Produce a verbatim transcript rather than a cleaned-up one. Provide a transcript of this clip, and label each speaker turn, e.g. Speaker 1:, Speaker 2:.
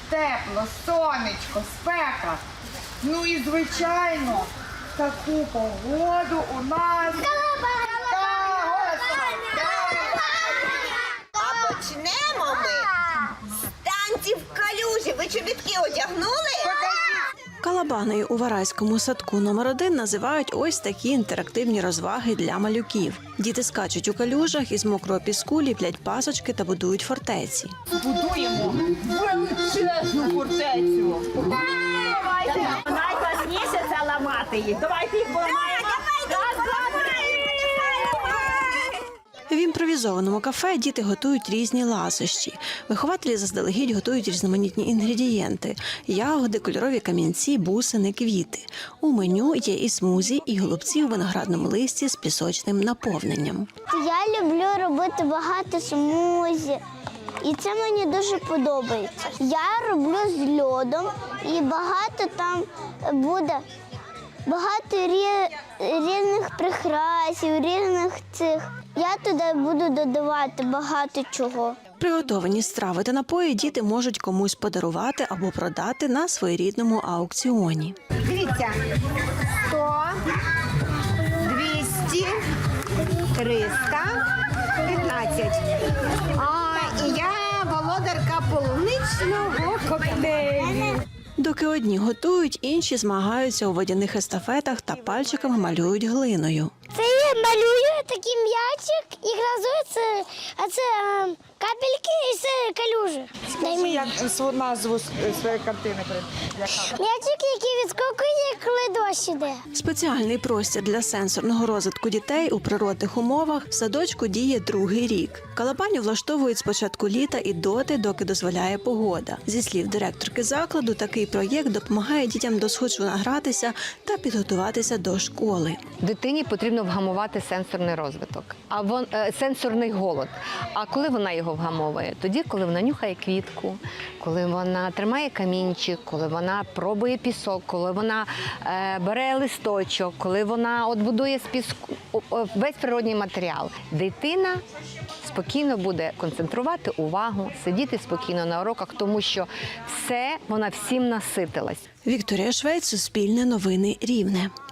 Speaker 1: тепло, сонечко, спека. Ну і, звичайно, таку погоду у нас...
Speaker 2: А почнемо ми з танців в калюжі. Ви чобітки одягнули?
Speaker 3: Калабаною у Варайському садку номер один називають ось такі інтерактивні розваги для малюків. Діти скачуть у калюжах, із мокрого піску ліплять пасочки та будують фортеці.
Speaker 1: Будуємо величезну фортецю.
Speaker 4: Давайте. Найкласніше це ламати їх. Давайте їх поламаємо.
Speaker 3: В імпровізованому кафе діти готують різні ласощі. Вихователі заздалегідь готують різноманітні інгредієнти – ягоди, кольорові камінці, бусини, квіти. У меню є і смузі, і голубці у виноградному листі з пісочним наповненням.
Speaker 5: Я люблю робити багато смузі, і це мені дуже подобається. Я роблю з льодом, і багато там буде, багато рі- різних прикрасів, різних цих. Я туди буду додавати багато чого.
Speaker 3: Приготовані страви та напої діти можуть комусь подарувати або продати на своєрідному аукціоні.
Speaker 2: Дивіться. сто, двісті, триста, п'ятнадцять. А, і я володарка полуничного коктейлю.
Speaker 3: Доки одні готують, інші змагаються у водяних естафетах та пальчиками малюють глиною.
Speaker 5: Це я малюю такий м'ячик і гразується, а це е, капельки і це калюжі. Дай мені.
Speaker 1: Як свою назву своєї картини.
Speaker 5: М'ячик, який відскокує, коли дощ іде.
Speaker 3: Спеціальний простір для сенсорного розвитку дітей у природних умовах в садочку діє другий рік. Калабаню влаштовують з початку літа і доти, доки дозволяє погода. Зі слів директорки закладу, такий проєкт допомагає дітям досхочу награтися та підготуватися до школи.
Speaker 6: Дитині потрібно вгамувати сенсорний розвиток, а вон, е, сенсорний голод. А коли вона його вгамовує? Тоді, коли вона нюхає квітку, коли вона тримає камінчик, коли вона пробує пісок, коли вона е, бере листочок, коли вона от будує з піску о, о, весь природній матеріал. Дитина спокійно буде концентрувати увагу, сидіти спокійно на уроках, тому що все, вона всім наситилась.
Speaker 3: Вікторія Швець, Суспільне новини, Рівне.